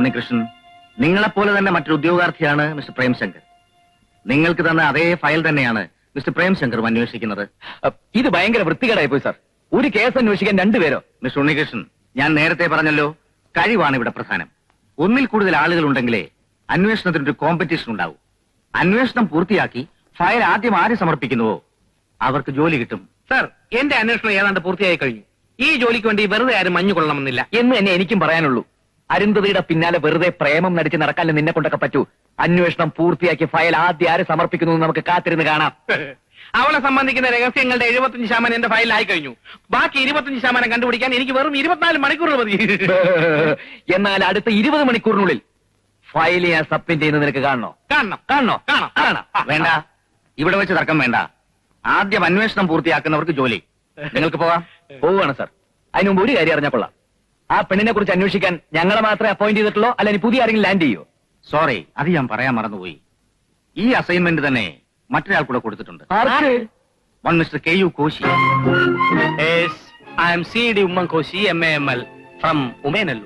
ഉണ്ണികൃഷ്ണൻ, നിങ്ങളെപ്പോലെ തന്നെ മറ്റൊരു ഉദ്യോഗാർത്ഥിയാണ് മിസ്റ്റർ പ്രേംശങ്കർ. നിങ്ങൾക്ക് തന്ന അതേ ഫയൽ തന്നെയാണ് മിസ്റ്റർ പ്രേംശങ്കറും അന്വേഷിക്കുന്നത്. ഇത് ഭയങ്കര വൃത്തികേടായി പോയി സാർ. ഒരു കേസ് അന്വേഷിക്കാൻ രണ്ടുപേരോ? മിസ്റ്റർ ഉണ്ണികൃഷ്ണൻ, ഞാൻ നേരത്തെ പറഞ്ഞല്ലോ, കഴിവാണ് ഇവിടെ പ്രധാനം. ഒന്നിൽ കൂടുതൽ ആളുകൾ ഉണ്ടെങ്കിലേ അന്വേഷണത്തിനൊരു കോമ്പറ്റീഷൻ ഉണ്ടാവും. അന്വേഷണം പൂർത്തിയാക്കി ഫയൽ ആദ്യം ആര് സമർപ്പിക്കുന്നുവോ അവർക്ക് ജോലി കിട്ടും. സർ, എന്റെ അന്വേഷണം ഏതാണ്ട് പൂർത്തിയായി കഴിഞ്ഞു. ഈ ജോലിക്ക് വേണ്ടി വെറുതെ ആരും മഞ്ഞു കൊള്ളണമെന്നില്ല എന്ന് തന്നെ എനിക്കും പറയാനുള്ളൂ. അരുന്ധതിയുടെ പിന്നാലെ വെറുതെ പ്രേമം നടിച്ച് നടക്കാനും നിന്നെ കൊണ്ടൊക്കെ പറ്റൂ. അന്വേഷണം പൂർത്തിയാക്കി ഫയൽ ആദ്യം ആര് സമർപ്പിക്കുന്നു നമുക്ക് കാത്തിരുന്ന് കാണാം. അവളെ സംബന്ധിക്കുന്ന രഹസ്യങ്ങളുടെ 75% എന്റെ ഫയലിലായി കഴിഞ്ഞു. ബാക്കി 25% കണ്ടുപിടിക്കാൻ എനിക്ക് വെറും 24 മണിക്കൂറുകൾ മതി. എന്നാൽ അടുത്ത 20 മണിക്കൂറിനുള്ളിൽ ഫയൽ ഞാൻ സബ്മിറ്റ് ചെയ്യുന്നത് നിനക്ക് കാണണോ? കാണണം. വേണ്ട, ഇവിടെ വെച്ച് തർക്കം വേണ്ട. ആദ്യം അന്വേഷണം പൂർത്തിയാക്കുന്നവർക്ക് ജോലി. നിങ്ങൾക്ക് പോകാം. പോവുകയാണ് സാർ. അതിന് മുമ്പ് ഒരു കാര്യം അറിഞ്ഞാൽ കൊള്ളാം. ആ പെണ്ണിനെ കുറിച്ച് അന്വേഷിക്കാൻ ഞങ്ങളെ മാത്രമേ അപ്പോയിന്റ് ചെയ്തിട്ടുള്ളൂ, അല്ല ഇനി പുതിയ ആരെങ്കിലും ലാൻഡ് ചെയ്യോ? സോറി, അത് ഞാൻ പറയാൻ മറന്നുപോയി. ഈ അസൈൻമെന്റ് തന്നെ മറ്റൊരാൾ കൂടെ കൊടുത്തിട്ടുണ്ട്. One mister KU Koshy. I M CD Oommen Koshy, MAML from Umayanalloor.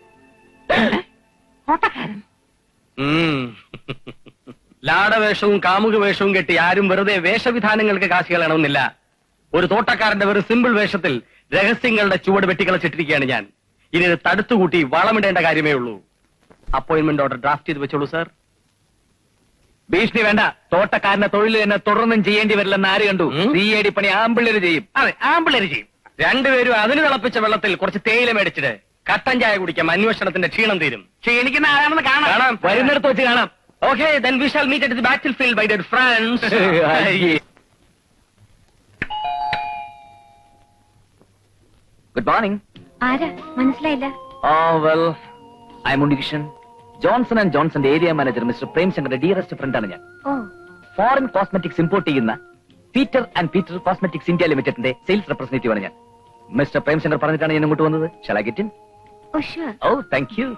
ലാടവേഷവും കാമുക വേഷവും കെട്ടി ആരും വെറുതെ വേഷവിധാനങ്ങൾക്ക് കാശ് കളയണമെന്നില്ല. ഒരു തോട്ടക്കാരന്റെ വെറും സിമ്പിൾ വേഷത്തിൽ രഹസ്യങ്ങളുടെ ചുവട് വെട്ടിക്കളച്ചിട്ടിരിക്കുകയാണ് ഞാൻ. ഇനി ഇത് തടുത്തുകൂട്ടി വളമിടേണ്ട കാര്യമേ ഉള്ളൂ. അപ്പോയിന്റ്മെന്റ് ഓർഡർ ഡ്രാഫ്റ്റ് ചെയ്ത് വെച്ചോളൂ സാർ. ഭീഷണി വേണ്ട. തോട്ടക്കാരന്റെ തൊഴിൽ തന്നെ തുടർന്നും ചെയ്യേണ്ടി വരില്ലെന്ന് ആര് കണ്ടു? CID പണി ആമ്പിള്ളേര് ചെയ്യും. അതെ, ആമ്പിള്ളേര് ചെയ്യും. രണ്ടുപേരും അതിന് തിളപ്പിച്ച വെള്ളത്തിൽ കുറച്ച് തേയില മേടിച്ചിട്ട് കട്ടൻ ചായ കുടിക്കാം. അന്വേഷണത്തിന്റെ ക്ഷീണം തീരും. ക്ഷീണിക്കുന്ന ആരാണെന്ന് കാണാം. വരുന്നിടത്ത് വെച്ച് കാണാം. Okay, then we shall meet at the battlefield, my dear friends. Good morning. ആരാ? മനസ്സിലായില്ല. Well, I'm Unnikrishnan. Johnson and ജോൺസന്റെ ഏരിയ മാനേജർ മിസ്റ്റർ പ്രേംശങ്കറിന്റെ ഡിയറസ്റ്റ് ഫ്രണ്ടാണ് ഞാൻ. ഫോറിൻ കോസ്മെറ്റിക്സ് ഇമ്പോർട്ട് ചെയ്യുന്ന Peter and Peter cosmetics India ലിമിറ്റഡിന്റെ സെയിൽസ് റെപ്രസെന്റേറ്റീവ് ആണ് ഞാൻ. മിസ്റ്റർ പ്രേംശങ്കർ പറഞ്ഞിട്ടാണ് ഞാൻ ഇങ്ങോട്ട് വന്നത്. Shall I get in? Thank you.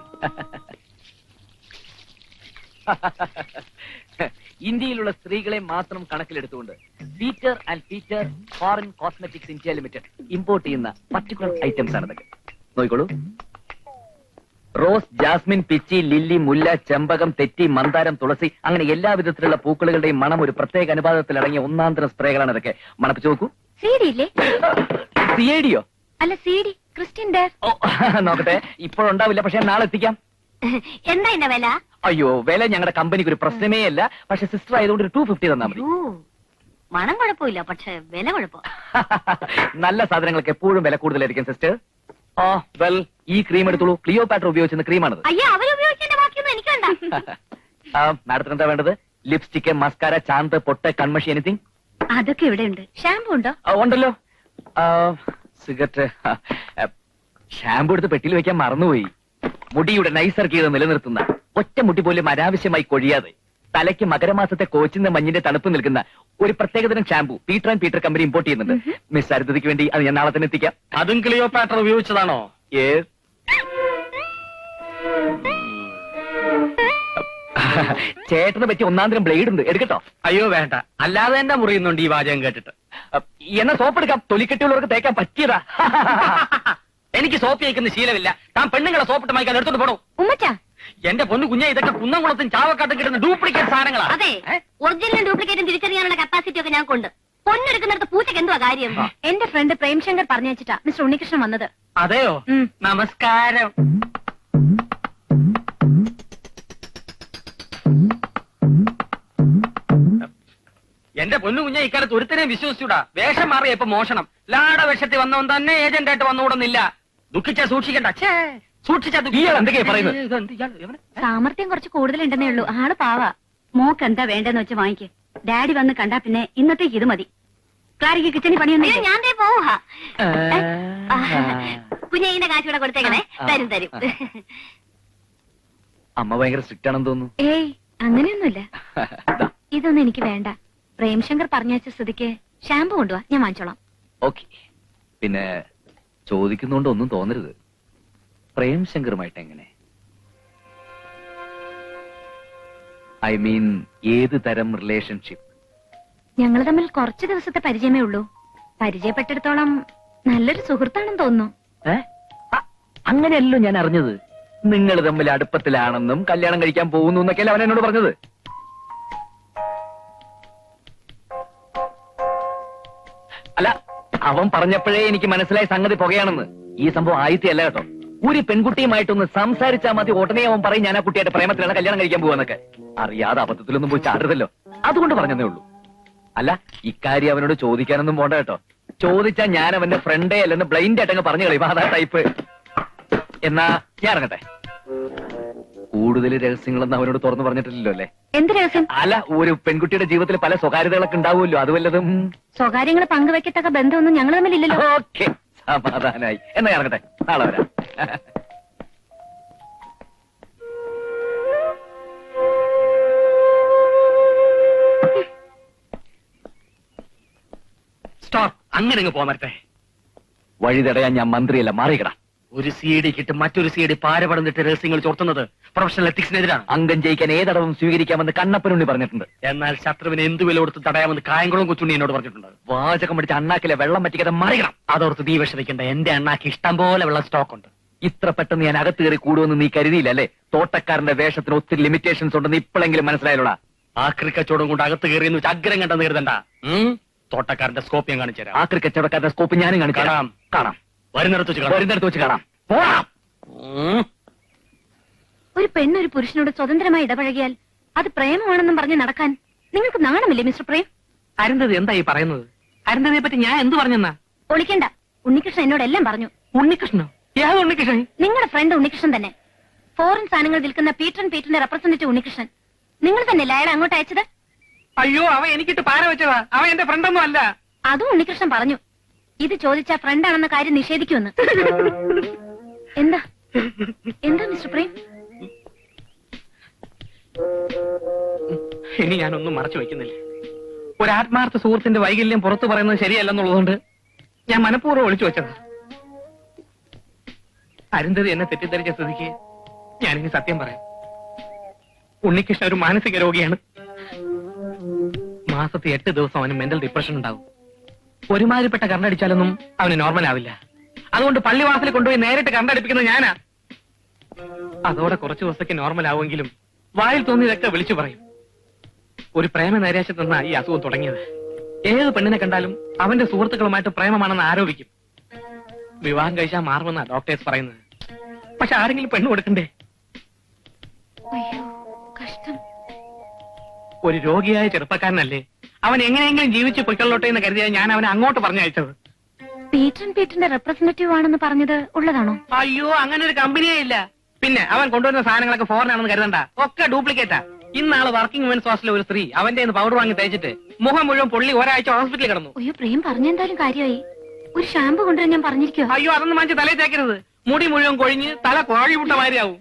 ഇന്ത്യയിലുള്ള സ്ത്രീകളെ മാത്രം കണക്കിലെടുത്തുകൊണ്ട് Peter and Peter foreign cosmetics India limited import ചെയ്യുന്ന പർട്ടിക്കുലർ ഐറ്റംസ് ആണ് ഇതൊക്കെ. നോക്കിക്കോളൂ. റോസ്, ജാസ്മിൻ, പിച്ചി, ലില്ലി, മുല്ല, ചെമ്പകം, തെറ്റി, മന്ദാരം, തുളസി, അങ്ങനെ എല്ലാ വിധത്തിലുള്ള പൂക്കളുടെയും മണം ഒരു പ്രത്യേക അനുപാതത്തിൽ അടങ്ങിയ ഒന്നാന്തരം സ്പ്രേകളാണ് ഇതൊക്കെ. മണപ്പിച്ചു നോക്കൂ. CID-യോ? അല്ല, CD ക്രിസ്ത്യൻ ഡയർ. നോക്കട്ടെ, ഇപ്പോഴുണ്ടാവില്ല, പക്ഷെ നാളെ എത്തിക്കാം. എന്താ എന്റെ വില? അയ്യോ, വില ഞങ്ങളുടെ കമ്പനിക്ക് ഒരു പ്രശ്നമേ അല്ല. പക്ഷെ സിസ്റ്റർ ആയതുകൊണ്ട് ഒരു 250 തന്നാ മതി. മണം കുഴപ്പമില്ല, പക്ഷെ വില കുഴപ്പം. നല്ല സാധനങ്ങൾക്ക് എപ്പോഴും വില കൂടുതലായിരിക്കും സിസ്റ്റർ. വെൽ, ഈ ക്രീം എടുത്തോളൂ. ക്ലിയോപാട്ര ഉപയോഗിച്ചിരുന്ന ക്രീമാണത്. അയ്യോ, അവരുപയോഗിച്ചതിന്റെ ബാക്കിയൊന്നും എനിക്ക് വേണ്ട. മാഡത്തിന് എന്താ വേണ്ടത്? ലിപ്സ്റ്റിക്, മസ്കാര, ചാന്ത്, പൊട്ട്, കൺമഷി, എനിത്തിങ്? അതൊക്കെ ഇവിടെ ഉണ്ട്. ഷാമ്പു ഉണ്ടോ? ഉണ്ടല്ലോ. സിഗരറ്റ്, ഷാമ്പു എടുത്ത് പെട്ടിയിൽ വെക്കാൻ മറന്നുപോയി. മുടിയുടെ നൈസർഗീയത നിലനിർത്തുന്ന, ഒറ്റ മുടി പോലും അനാവശ്യമായി കൊഴിയാതെ, തലയ്ക്ക് മകരമാസത്തെ കോച്ചിന്റെ മഞ്ഞിന്റെ തണുപ്പ് നിൽക്കുന്ന ഒരു പ്രത്യേകതരം shampoo Peter and Peter company import ചെയ്യുന്നുണ്ട്. മിസ് അരുതയ്ക്ക് വേണ്ടി അത് ഞാൻ നാളെ തന്നെ എത്തിക്കാം. അതും ക്ലിയോപാട്ര ഉപയോഗിച്ചതാണോ? ചേട്ടനെ പറ്റി ഒന്നാന്തരം ബ്ലേഡ് ഉണ്ട്, എടുക്കട്ടോ? അയ്യോ വേണ്ട, അല്ലാതെ തന്നെ മുറിയുന്നുണ്ട് ഈ വാചകം കേട്ടിട്ട്. എന്നാ സോപ്പ് എടുക്കാം. തൊലിക്കെട്ടിയുള്ളവർക്ക് തേക്കാൻ പറ്റിയതാ. എനിക്ക് സോപ്പ് കഴിക്കുന്ന ശീലമില്ല. താൻ പെണ്ണുങ്ങളെ സോപ്പിട്ട് മായ്ക്കാൻ എടുത്തോണ്ട് പോണോ? ഉമ്മച്ചാ, എന്റെ പൊന്നു കുഞ്ഞെ, ഇതൊക്കെ കുന്നംകുളത്തും ചാവക്കാട്ടും കിട്ടുന്ന ഡ്യൂപ്ലിക്കേറ്റ് സാധനങ്ങളാ. അതെ, ഒറിജിനലും ഡ്യൂപ്ലിക്കേറ്റും തിരിച്ചറിയാനുള്ള കപ്പാസിറ്റി ഒക്കെ ഞാൻ കൊണ്ട്. പൊന്നെടുക്കുന്നിടത്ത് പൂച്ചക്ക് എന്തുവാ കാര്യം? എന്റെ ഫ്രണ്ട് പ്രേംശങ്കർ പറഞ്ഞു വെച്ചിട്ടാ മിസ്റ്റർ ഉണ്ണികൃഷ്ണൻ വന്നത്. അതെയോ? നമസ്കാരം. എന്റെ പൊന്നു കുഞ്ഞെ, ഇക്കാലത്ത് ഒരുത്തനെയും വിശ്വസിച്ചൂടാ. വേഷം മാറിയ ഇപ്പൊ മോഷണം. ലാട വേഷത്തിൽ വന്നവൻ തന്നെ ഏജന്റ് ആയിട്ട് വന്നുകൂടുന്നില്ല. ദുഃഖിച്ചാ സൂക്ഷിക്കണ്ട. എന്തൊക്കെയാ പറയുന്നത്? സാമർത്ഥ്യം കുറച്ച് കൂടുതലുണ്ടെന്നേ ഉള്ളൂ. ആള് പാവാ. മോക്ക് എന്താ വേണ്ടെന്ന് വെച്ച് വാങ്ങിക്ക്. ഡാഡി വന്ന് കണ്ടാ പിന്നെ ഇന്നത്തേക്ക് ഇത് മതി. ക്ലാരിക്ക് കിച്ചണി പണിയൊന്നും ഞാൻ പോവാ. കുഞ്ഞിന്റെ കാശ് കൂടെ കൊടുത്തേക്കണേ. തരും തരും. അമ്മ ഭയങ്കര സ്ട്രിക്റ്റ് ആണെന്ന് തോന്നുന്നു. ഏയ്, അങ്ങനെയൊന്നുമില്ല. ഇതൊന്നും എനിക്ക് വേണ്ട. പ്രേംശങ്കർ പറഞ്ഞ സ്ഥിതിക്ക് ഷാമ്പു കൊണ്ടുവാ, ഞാൻ വാങ്ങിച്ചോളാം. ഓക്കെ. പിന്നെ ചോദിക്കുന്നോണ്ട് ഒന്നും തോന്നരുത്. പ്രേംശങ്കറുമായിട്ട് എങ്ങനെ? ഐ മീൻ, ഏത് തരം റിലേഷൻഷിപ്പ്? ഞങ്ങൾ തമ്മിൽ കുറച്ച് ദിവസത്തെ പരിചയമേ ഉള്ളൂ. പരിചയപ്പെട്ടിടത്തോളം നല്ലൊരു സുഹൃത്താണെന്ന് തോന്നുന്നു. അങ്ങനെയല്ലോ ഞാൻ അറിഞ്ഞത്. നിങ്ങൾ തമ്മിൽ അടുപ്പത്തിലാണെന്നും കല്യാണം കഴിക്കാൻ പോകുന്നു എന്നൊക്കെയല്ലേ അവൻ എന്നോട് പറഞ്ഞത്. അല്ല, അവൻ പറഞ്ഞപ്പോഴേ എനിക്ക് മനസ്സിലായി സംഗതി പുകയാണെന്ന്. ഈ സംഭവം ആയിത്തല്ല കേട്ടോ. ഒരു പെൺകുട്ടിയുമായിട്ടൊന്ന് സംസാരിച്ചാൽ മതി, ഉടനെ അവൻ പറയും ഞാൻ ആ കുട്ടിയായിട്ട് പ്രേമത്തിലാണ് കല്യാണം കഴിക്കാൻ പോവാന്നൊക്കെ. അറിയാതെ അബദ്ധത്തിലൊന്നും പോയി ചാടരുതല്ലോ, അതുകൊണ്ട് പറഞ്ഞതേ ഉള്ളൂ. അല്ല, ഇക്കാര്യം അവനോട് ചോദിക്കാനൊന്നും പോണ്ട കേട്ടോ. ചോദിച്ചാൽ ഞാൻ അവന്റെ ഫ്രണ്ടേ അല്ലെന്ന് ബ്ലൈൻഡ് ആയിട്ടങ്ങ് പറഞ്ഞു കളയും. അതാ ടൈപ്പ്. എന്നാ ഞാൻ ഇറങ്ങട്ടെ. കൂടുതൽ രഹസ്യങ്ങളൊന്നും അവനോട് തുറന്നു പറഞ്ഞിട്ടില്ലല്ലോ അല്ലേ? എന്ത് രഹസ്യം? അല്ല, ഒരു പെൺകുട്ടിയുടെ ജീവിതത്തിൽ പല സ്വകാര്യതകളൊക്കെ ഉണ്ടാവുമല്ലോ, അത് വല്ലതും. സ്വകാര്യങ്ങൾ പങ്കുവെക്കത്തക്ക ബന്ധമൊന്നും ഞങ്ങൾ തമ്മിലില്ലല്ലോ. ഓക്കെ, സമാധാനായി. എന്നാ ഇറങ്ങട്ടെ, നാളെ വരാം. സ്റ്റോപ്പ്, അങ്ങനെ അങ്ങ് പോമരട്ടെ. വഴി തടയാൻ ഞാൻ മന്ത്രിയല്ല, മാറിയിക്കടാ. ഒരു സി ഐ ഡിക്കിട്ട് മറ്റൊരു സി ഐ ഡി പാരപടന്നിട്ട് രഹസ്യങ്ങൾ ചോർത്തുന്നത് പ്രൊഫഷണൽ എത്തിക്സിനെതിരാണ്. അംഗം ജയിക്കാൻ ഏതടവും സ്വീകരിക്കാമെന്ന് കണ്ണപ്പനുണ്ണി പറഞ്ഞിട്ടുണ്ട്. എന്നാൽ ശത്രുവിനെ എന്ത് വില കൊടുത്ത് തടയാമെന്ന് കായംകുളം കൊച്ചുണ്ണി എന്നോട് പറഞ്ഞിട്ടുണ്ട്. വാചകം പിടിച്ച അണ്ണാക്കിലെ വെള്ളം പറ്റിക്കാതെ മറിയണം. അതോർത്ത് നീ വിഷമിക്കണ്ട, എന്റെ അണ്ണാക്ക് ഇഷ്ടം പോലെ വെള്ളം സ്റ്റോക്ക് ഉണ്ട്. ഇത്ര പെട്ടെന്ന് ഞാൻ അകത്ത് കയറി കൂടുമെന്ന് നീ കരുതിയില്ല അല്ലേ? തോട്ടക്കാരന്റെ വേഷത്തിന് ഒത്തിരി ലിമിറ്റേഷൻസ് ഉണ്ടെന്ന് ഇപ്പോഴെങ്കിലും മനസ്സിലായല്ലോടാ. ആ ക്രിക്കച്ചോടും കൊണ്ട് അകത്ത് കയറിയെന്ന് വെച്ച് അഗ്രം കണ്ടെന്ന് കരുതണ്ട. തോട്ടക്കാരന്റെ സ്കോപ്പ് ഞാൻ കാണിച്ചു തരാം. ആ കച്ചവടക്കാരന്റെ സ്കോപ്പ് ഞാനും കാണിക്കാം. കാണാം. കാണാം, വരുന്നിടത്ത് വെച്ച് കാണാം. വരുന്നിടത്ത് വെച്ച് കാണാം. പോവാം. ഒരു പെണ്ണൊരു പുരുഷനോട് സ്വതന്ത്രമായി ഇടപഴകിയാൽ അത് പ്രേമമാണെന്നും പറഞ്ഞ് നടക്കാൻ നിങ്ങൾക്ക് നാണമില്ലേ മിസ്റ്റർ പ്രേം? അരുന്ധതി എന്താ ഈ പറയുന്നത്? അരുന്ധതിയെ പറ്റി ഞാൻ എന്ത് പറഞ്ഞെന്നാ? ഒളിക്കണ്ട, ഉണ്ണികൃഷ്ണൻ എന്നോട് എല്ലാം പറഞ്ഞു. ഉണ്ണികൃഷ്ണനോ? ഏത് ഉണ്ണികൃഷ്ണൻ? നിങ്ങളുടെ ഫ്രണ്ട് ഉണ്ണികൃഷ്ണൻ തന്നെ. ഫോറിൻ സാധനങ്ങൾ വിൽക്കുന്ന പീറ്ററിന്റെ റെപ്രസെന്റേറ്റീവ് ഉണ്ണികൃഷ്ണൻ. നിങ്ങൾ തന്നെയല്ലേ അയാളെ അങ്ങോട്ട് അയച്ചത്? അയ്യോ, അവൻ എനിക്കിട്ട് പാര വെച്ചതാ. അവൻ എന്റെ ഫ്രണ്ടൊന്നും അല്ല. അതും ഉണ്ണികൃഷ്ണൻ പറഞ്ഞു. ഇത് ചോദിച്ചാ ഫ്രണ്ടാണെന്ന കാര്യം നിഷേധിക്കുമെന്ന്. എന്താ എന്താ മിസ്റ്റർ പ്രേം? ഇനി ഞാനൊന്നും മറച്ചു വയ്ക്കുന്നില്ല. ഒരു ആത്മാർത്ഥ സുഹൃത്തിന്റെ വൈകല്യം പുറത്തു പറയുന്നത് ശരിയല്ലെന്നുള്ളതുകൊണ്ട് ഞാൻ മനഃപൂർവ്വം ഒളിച്ചു വെച്ചതാ. അരുന്ധതി എന്നെ തെറ്റിദ്ധരിച്ച സ്ഥിതിക്ക് ഞാനിനി സത്യം പറയാം. ഉണ്ണികൃഷ്ണൻ ഒരു മാനസിക രോഗിയാണ്. മാസത്തിൽ 8 ദിവസം അവന് മെന്റൽ ഡിപ്രഷൻ ഉണ്ടാവും. ഒരുമാതിരിപ്പെട്ട കറണ്ടടിച്ചാലൊന്നും അവന് നോർമൽ ആവില്ല. അതുകൊണ്ട് പള്ളിവാസലിൽ കൊണ്ടുപോയി നേരിട്ട് കറണ്ടടിപ്പിക്കുന്നത് ഞാനാ. അതോടെ കുറച്ചു ദിവസത്തേക്ക് നോർമൽ ആവുമെങ്കിലും വായിൽ തോന്നിയതൊക്കെ വിളിച്ചു പറയും. ഒരു പ്രേമ നൈരാശ്യത്തിൽ നിന്നാ ഈ അസുഖം തുടങ്ങിയത്. ഏത് പെണ്ണിനെ കണ്ടാലും അവന്റെ സുഹൃത്തുക്കളുമായിട്ട് പ്രേമമാണെന്ന് ആരോപിക്കും. വിവാഹം കഴിച്ചാൽ മാറുമെന്നാ ഡോക്ടേഴ്സ് പറയുന്നത്. പക്ഷെ ആരെങ്കിലും പെണ്ണ് കൊടുക്കണ്ടേ? അയ്യോ, കഷ്ടം. ഒരു രോഗിയായ ചെറുപ്പക്കാരനല്ലേ, അവൻ എങ്ങനെയെങ്കിലും ജീവിച്ച് പൊയ്ക്കൊള്ളോട്ടെ എന്ന് കരുതിയാൽ ഞാൻ അവനെ അങ്ങോട്ട് പറഞ്ഞയച്ചത്. പീറ്ററിന്റെ റെപ്രസെന്റേറ്റീവ് ആണെന്ന് പറഞ്ഞത് ഉള്ളതാണോ? അയ്യോ, അങ്ങനെ ഒരു കമ്പനിയേ ഇല്ല. പിന്നെ അവൻ കൊണ്ടുവരുന്ന സാധനങ്ങളൊക്കെ ഫോറിൻ ആണെന്ന് കരുതണ്ട, ഒക്കെ ഡ്യൂപ്ലിക്കേറ്റാ. ഇന്നാള് വർക്കിംഗ് വുമൻസ് ഹോസ്റ്റലിലെ ഒരു സ്ത്രീ അവന്റെ പൗഡർ വാങ്ങി തേച്ചിട്ട് മുഖം മുഴുവൻ പൊള്ളി ഒരാഴ്ച ഹോസ്പിറ്റലിൽ കിടന്നു. അയ്യോ, പ്രേം പറഞ്ഞെന്തായാലും കാര്യമായി. ഒരു ഷാമ്പു കൊണ്ടുവരാൻ ഞാൻ പറഞ്ഞിരിക്കോ? അയ്യോ, അതൊന്നും വാങ്ങിച്ച് തലയിൽ തേക്കരുത്. മുടി മുഴുവൻ കൊഴിഞ്ഞ് തല കോഴിമുട്ട മാതിരിയാവും.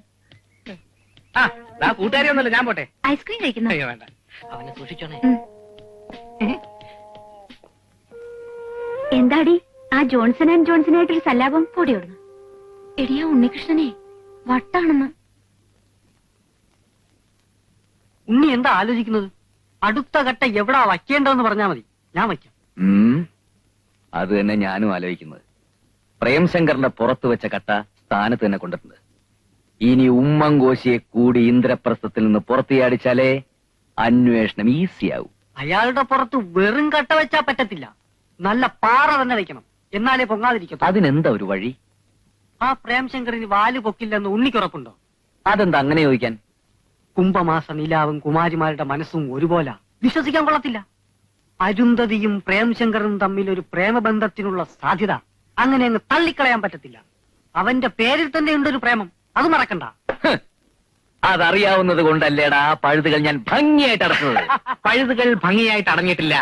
ആ കൂട്ടുകാരി ഒന്നല്ല, ഞാൻ പോട്ടെ. ഐസ്ക്രീം കഴിക്കുന്നു? അയ്യോ വേണ്ട, അവനെ സൂക്ഷിച്ചോണേ. എന്താടി ആ ജോൺസൺ ആൻഡ് ജോൺസണായിട്ടൊരു സല്ലാപം പൊടിയോടുന്നു? എടിയാ ഉണ്ണികൃഷ്ണനെ വട്ടാണെന്ന്. ഉണ്ണി എന്താ ആലോചിക്കുന്നത്? അടുത്ത ഘട്ട എവിടാ വയ്ക്കേണ്ടതെന്ന് പറഞ്ഞാൽ മതി, ഞാൻ വയ്ക്കാം. അത് തന്നെ ഞാനും ആലോചിക്കുന്നത്. പ്രേംശങ്കറിന്റെ പുറത്ത് വെച്ച കട്ട സ്ഥാനത്ത് തന്നെ കൊണ്ടിട്ടുണ്ട്. ഇനി ഉമ്മൻകോശിയെ കൂടി ഇന്ദ്രപ്രസ്ഥത്തിൽ നിന്ന് പുറത്തിയാടിച്ചാലേ അന്വേഷണം ഈസിയാവും. അയാളുടെ പുറത്ത് വെറും കട്ട വെച്ചാ പറ്റത്തില്ല, നല്ല പാറ തന്നെ വെക്കണം, എന്നാലേ പൊങ്ങാതിരിക്കും. അതിനെന്താ ഒരു വഴി? ആ പ്രേംശങ്കറിന് വാല് പൊക്കില്ലെന്ന് ഉണ്ണിക്കുറപ്പുണ്ടോ? അതെന്താ അങ്ങനെ ചോദിക്കാൻ? കുംഭമാസ നിലാവും കുമാരിമാരുടെ മനസ്സും ഒരുപോലെ വിശ്വസിക്കാൻ കൊള്ളത്തില്ല. അരുന്ധതിയും പ്രേംശങ്കറും തമ്മിൽ ഒരു പ്രേമബന്ധത്തിനുള്ള സാധ്യത അങ്ങനെ അങ്ങ് തള്ളിക്കളയാൻ പറ്റത്തില്ല. അവന്റെ പേരിൽ തന്നെ ഉണ്ടൊരു പ്രേമം, അത് മറക്കണ്ട. അതറിയാവുന്നത് കൊണ്ടല്ലേടാ ആ പഴുതുകൾ ഞാൻ ഭംഗിയായിട്ട് അടച്ചത്. പഴുതുകൾ ഭംഗിയായിട്ട് അടങ്ങിയിട്ടില്ല.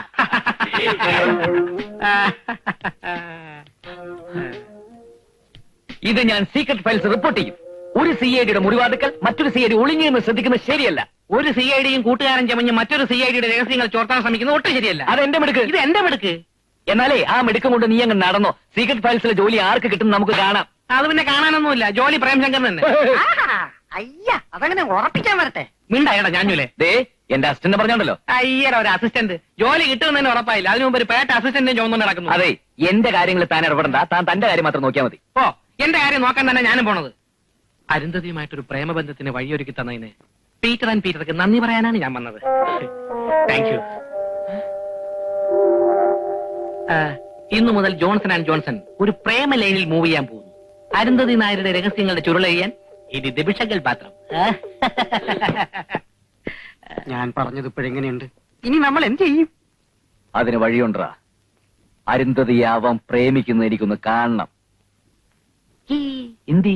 ഇത് ഞാൻ സീക്രട്ട് ഫയൽസ് റിപ്പോർട്ട് ചെയ്യും. ഒരു CID-യുടെ മുറിവാതുക്കൾ മറ്റൊരു CID ഒളിഞ്ഞെന്ന് ശ്രദ്ധിക്കുന്നത് ശരിയല്ല. ഒരു CID-യും കൂട്ടുകാരൻ ചമഞ്ഞ് മറ്റൊരു CID-യുടെ രഹസ്യങ്ങൾ ചോർത്താൻ ശ്രമിക്കുന്നത് ഒട്ടും ശരിയല്ല. അത് എന്റെ മിടുക്ക്. ഇത് എന്റെ മിടുക്ക്. എന്നാലേ ആ മിടുക്കം കൊണ്ട് നീ അങ്ങ് നടന്നോ. സീക്രട്ട് ഫയൽസിലെ ജോലി ആർക്ക് കിട്ടും നമുക്ക് കാണാം. അത് പിന്നെ കാണാനൊന്നുമില്ല, ജോലി പ്രേംശങ്കർ തന്നെ. അയ്യ, അതങ്ങനെ ഉറപ്പിക്കാൻ വരട്ടെ. മിണ്ടായടാ ഞാഞ്ഞൂലേ. ദേ എന്റെ അസിസ്റ്റന്റ് പറഞ്ഞോണ്ടല്ലോ. അയ്യടാ, ഒരു അസിസ്റ്റന്റ് ജോലി കിട്ടുമെന്ന് തന്നെ ഉറപ്പായില്ല. അതിനു മുമ്പ് ഒരു പേട്ട അസിസ്റ്റന്റിനെ ചോദിച്ചു നടക്കുന്നു. അതെ, എന്റെ കാര്യങ്ങൾ താൻ ഇടപെടണ്ട, താൻ തന്റെ കാര്യം മാത്രം നോക്കിയാൽ മതി. ഓ, എന്റെ കാര്യം നോക്കാൻ തന്നെ ഞാനും പോണത്. അരുന്ധതിയുമായിട്ടൊരു പ്രേമബന്ധത്തിന് വഴിയൊരുക്കി തന്നതിന് പീറ്റർ ആൻഡ് പീറ്റർക്ക് നന്ദി പറയാനാണ് ഞാൻ വന്നത്. Thank you. ഇന്നു മുതൽ ജോൺസൺ ആൻഡ് ജോൺസൺ ഒരു പ്രേമ ലൈനിൽ മൂവ് ചെയ്യാൻ പോകുന്നു. അരുന്ധതി നായരുടെ രഹസ്യങ്ങളുടെ ചുരുളെയ്യാൻ ഇത് ദിബിഷകൾ പാത്രം. ഞാൻ പറഞ്ഞത് ഇപ്പോഴെങ്ങനെയുണ്ട്? ഇനി നമ്മൾ എന്ത് ചെയ്യും? അതിന് വഴിയുണ്ടാ. അരുന്ധതിയാവാൻ പ്രേമിക്കുന്ന എനിക്കൊന്ന് കാണണം. ഹിന്ദി.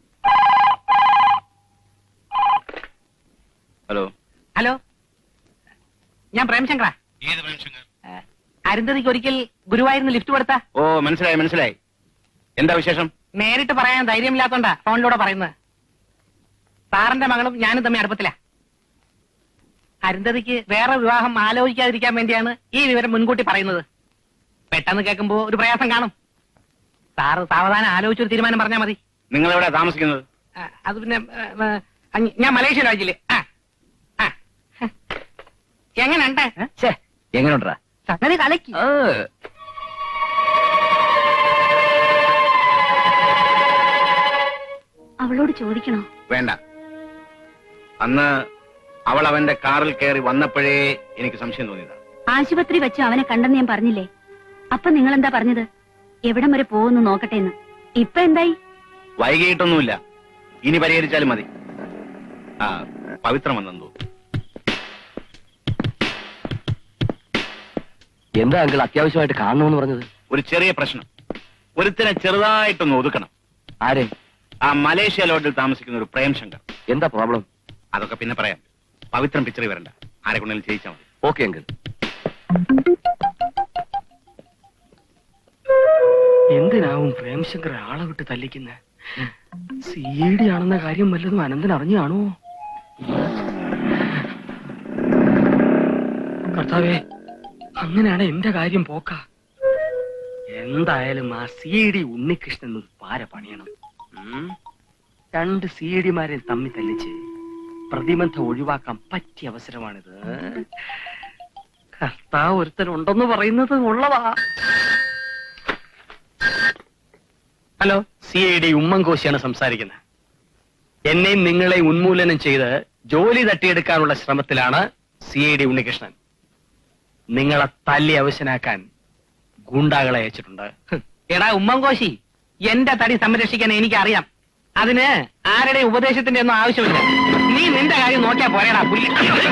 ഹലോ. ഹലോ, ഞാൻ പ്രേംശങ്കറാ. അരുന്ധതിക്ക് ഒരിക്കൽ ഗുരുവായൂരിന് ലിഫ്റ്റ് കൊടുത്ത. ഓ, മനസ്സിലായി. എന്താ വിശേഷം? നേരിട്ട് പറയാൻ ധൈര്യമില്ലാത്തോണ്ടാ ഫോണിലൂടെ പറയുന്നത്. സാറിന്റെ മകളും ഞാനും തമ്മിൽ അടുപ്പത്തില്ല. അരുന്ധതിക്ക് വേറെ വിവാഹം ആലോചിക്കാതിരിക്കാൻ വേണ്ടിയാണ് ഈ വിവരം മുൻകൂട്ടി പറയുന്നത്. പെട്ടെന്ന് കേൾക്കുമ്പോ ഒരു പ്രയാസം കാണും. സാറ് സാവധാനം ആലോചിച്ചൊരു തീരുമാനം പറഞ്ഞാൽ മതി. നിങ്ങൾ എവിടെ താമസിക്കുന്നത്? അത് പിന്നെ ഞാൻ മലേഷ്യ രാജ്യത്തില്. എങ്ങനെയുണ്ട്? എങ്ങനെയുണ്ടാ? സംഗതി കലക്കി. അവളോട് ചോദിക്കണോ? വേണ്ട. അന്ന് അവൾ അവന്റെ കാറിൽ കയറി വന്നപ്പോഴേ എനിക്ക് സംശയം തോന്നിയതാ. ആശുപത്രി വെച്ച് അവനെ കണ്ടെന്ന് ഞാൻ പറഞ്ഞില്ലേ? അപ്പൊ നിങ്ങൾ എന്താ പറഞ്ഞത്? എവിടം വരെ പോകുന്നു നോക്കട്ടെ എന്ന്. ഇപ്പൊ എന്തായി? വൈകിട്ടൊന്നുമില്ല, ഇനി പരിഹരിച്ചാലും മതി. പവിത്രം വന്നെന്തോ. എന്താ അങ്കിൾ അത്യാവശ്യമായിട്ട് കാണണമെന്ന് പറഞ്ഞത്? ഒരു ചെറിയ പ്രശ്നം. ഒരുത്തിനെ ചെറുതായിട്ടൊന്ന് ഒതുക്കണം. ആരെ? ആ മലേഷ്യ ലോഡിൽ താമസിക്കുന്ന ഒരു പ്രേംശങ്കർ. എന്താ പ്രോബ്ലം? അതൊക്കെ പിന്നെ പറയാം. പവിത്രം പിക്ചറിൽ വരണ്ട, ആരെ കൊണ്ടെങ്കിലും ചെയ്യിച്ചാൽ മതി. Okay uncle. എന്തിനാവും പ്രേംശങ്കർ ആളെ വിട്ട് തല്ലിക്കുന്ന? സി.ഡി. ആണെന്ന കാര്യം വല്ലതും അനന്തൻ അറിഞ്ഞു കാണുമോ? കർത്താവേ, അങ്ങനെയാണ് എന്റെ കാര്യം പോക്ക. എന്തായാലും ആ സി.ഡി. ഉണ്ണികൃഷ്ണൻ ഒരു പാര പണിയണം. 2 സി.ഡി.മാരെ തമ്മി തല്ലിച്ച് പ്രതിബന്ധം ഒഴിവാക്കാൻ പറ്റിയ അവസരമാണിത്. കർത്താവ് ഒരുത്തനുണ്ടെന്ന് പറയുന്നത് ഉള്ളതാ. ഹലോ, സി.ഐ.ഡി. ഉമ്മൻകോശിയാണ് സംസാരിക്കുന്നത്. എന്നെയും നിങ്ങളെ ഉന്മൂലനം ചെയ്ത് ജോലി തട്ടിയെടുക്കാനുള്ള ശ്രമത്തിലാണ് സി.ഐ.ഡി. ഉണ്ണികൃഷ്ണൻ. നിങ്ങളെ തല്ലി അവശനാക്കാൻ ഗുണ്ടാകളെ അയച്ചിട്ടുണ്ട്. എടാ ഉമ്മൻകോശി, എന്റെ തടി സംരക്ഷിക്കാൻ എനിക്കറിയാം. അതിന് ആരുടെ ഉപദേശത്തിന്റെ ഒന്നും ആവശ്യമില്ല. നീ നിന്റെ കാര്യം നോക്കിയാ പോരേടാ പുല്ലി.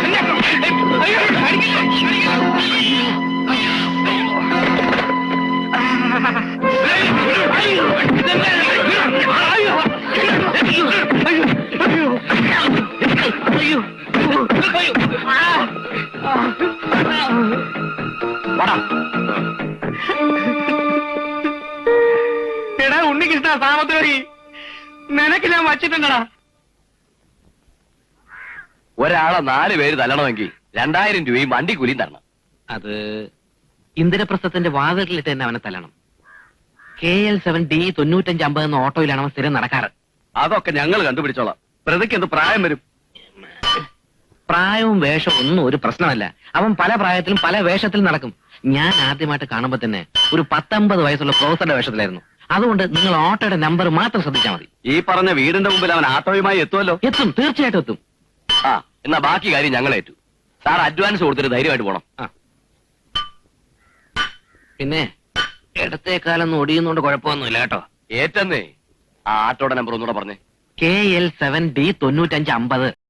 എടാ ഉണ്ണികൃഷ്ണ സാമത്തോരി, നിനക്ക് ഞാൻ വച്ചിട്ടുണ്ടടാ. ഒരാളെ 4 പേര് തല്ലണമെങ്കിൽ 2000 രൂപയും വണ്ടിക്കൂലിയും തരണം. അത് ഇന്ദിരപ്രസ്ഥത്തിന്റെ വാതിലിട്ട് തന്നെ അവനെ തല്ലണം. KL7D 9550 എന്ന ഓട്ടോയിലാണ് അവൻ സ്ഥിരം നടക്കാറ്. അതൊക്കെ ഞങ്ങൾ കണ്ടുപിടിച്ചോളാം. പ്രതിക്ക് എന്ത് പ്രായം വരും? പ്രായവും വേഷവും ഒന്നും ഒരു പ്രശ്നമല്ല. അവൻ പല പ്രായത്തിലും പല വേഷത്തിലും നടക്കും. ഞാൻ ആദ്യമായിട്ട് കാണുമ്പോ തന്നെ ഒരു 19 വയസ്സുള്ള പ്രൊഫസറുടെ വേഷത്തിലായിരുന്നു. അതുകൊണ്ട് നിങ്ങൾ ഓട്ടോയുടെ നമ്പർ മാത്രം ശ്രദ്ധിച്ചാൽ മതി. ഈ പറഞ്ഞ വീടിന്റെ മുമ്പിൽ അവൻ ആട്ടോയുമായി എത്തുമല്ലോ? എത്തും, തീർച്ചയായിട്ടും എത്തും. എന്നാ ബാക്കി കാര്യം ഞങ്ങളേറ്റു. സാർ അഡ്വാൻസ് കൊടുത്തിട്ട് ധൈര്യമായിട്ട് പോണം. പിന്നെ ഇടത്തേക്കാലൊന്നും ഒടിയുന്നോണ്ട് കുഴപ്പമൊന്നുമില്ല കേട്ടോ. ഏറ്റന്നേ. ആ ആട്ടോയുടെ നമ്പർ ഒന്നുകൂടെ പറഞ്ഞേ. KL7D 9550.